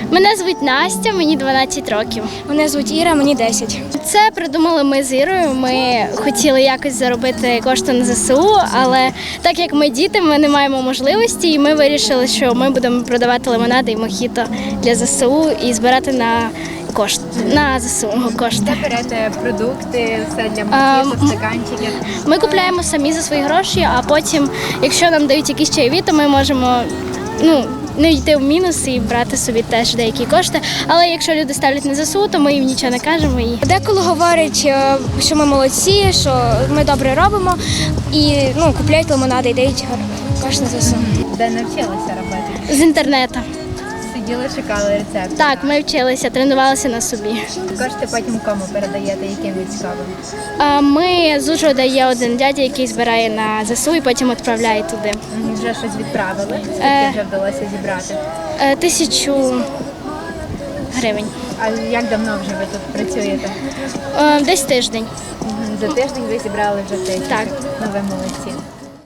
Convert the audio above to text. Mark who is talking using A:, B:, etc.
A: Мене звуть Настя, мені 12 років.
B: Мене звуть Іра, мені 10.
A: Це придумали ми з Ірою. Ми хотіли якось заробити кошти на ЗСУ, але так як ми діти, ми не маємо можливості, і ми вирішили, що ми будемо продавати лимонади і мохіто для ЗСУ і збирати на ЗСУ кошти.
C: Де берете продукти, все для мохіто, стаканчиків?
A: Ми купляємо самі за свої гроші, а потім, якщо нам дають якісь чайові, то ми можемо не йти в мінус і брати собі теж деякі кошти. Але якщо люди ставлять на ЗСУ, то ми їм нічого не кажемо.
B: Деколи говорять, що ми молодці, що ми добре робимо і купляють лимонади і дають кошти на ЗСУ.
C: Де навчилися робити?
A: З інтернету.
C: Сиділи, шукали рецепти?
A: Так, ми вчилися, тренувалися на собі.
C: Кошти потім кому передаєте, яким військовим?
A: Ми з Ужгорода є один дядя, який збирає на ЗСУ і потім відправляє туди.
C: Вже щось відправили? Скільки вже вдалося зібрати?
A: 1000 гривень.
C: А як давно вже ви тут працюєте?
A: Десь тиждень.
C: За тиждень ви зібрали вже 1000?
A: Так.
C: Ну, ви молодці.